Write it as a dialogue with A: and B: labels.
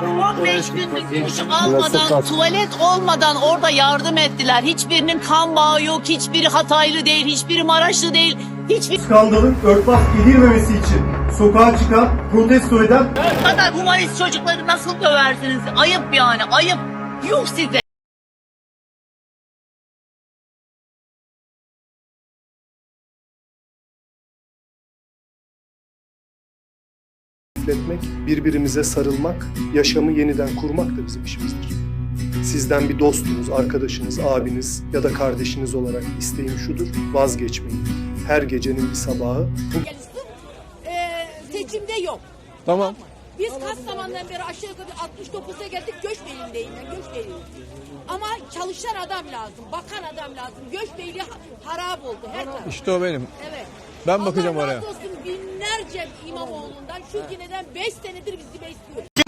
A: 15 günlük duş almadan, tuvalet olmadan orada yardım ettiler. Hiçbirinin kan bağı yok, hiçbiri Hataylı değil, hiçbiri Maraşlı değil. Hiçbir
B: Skandalın örtbas edilmemesi için sokağa çıkan, protesto eden
A: bu kadar humanist çocukları nasıl döversiniz? Ayıp yani, ayıp. Yuh size.
C: Etmek, birbirimize sarılmak, yaşamı yeniden kurmak da bizim işimizdir. Sizden bir dostunuz, arkadaşınız, abiniz ya da kardeşiniz olarak isteğim şudur, vazgeçmeyin. Her gecenin bir sabahı
D: Seçimde yok.
E: Tamam.
D: Biz kaç zamandan beri aşağı yukarı 69'a geldik, Göçbeyli'ndeyim ben, Göçbeyli'yim. Ama çalışan adam lazım, bakan adam lazım. Göçbeyli harap oldu her taraf.
E: İşte o benim.
D: Evet.
E: Ben bakacağım
D: Allah
E: oraya.
D: razı olsun binlerce İmamoğlu'ndan, şu yineden 5 senedir bizi besliyor.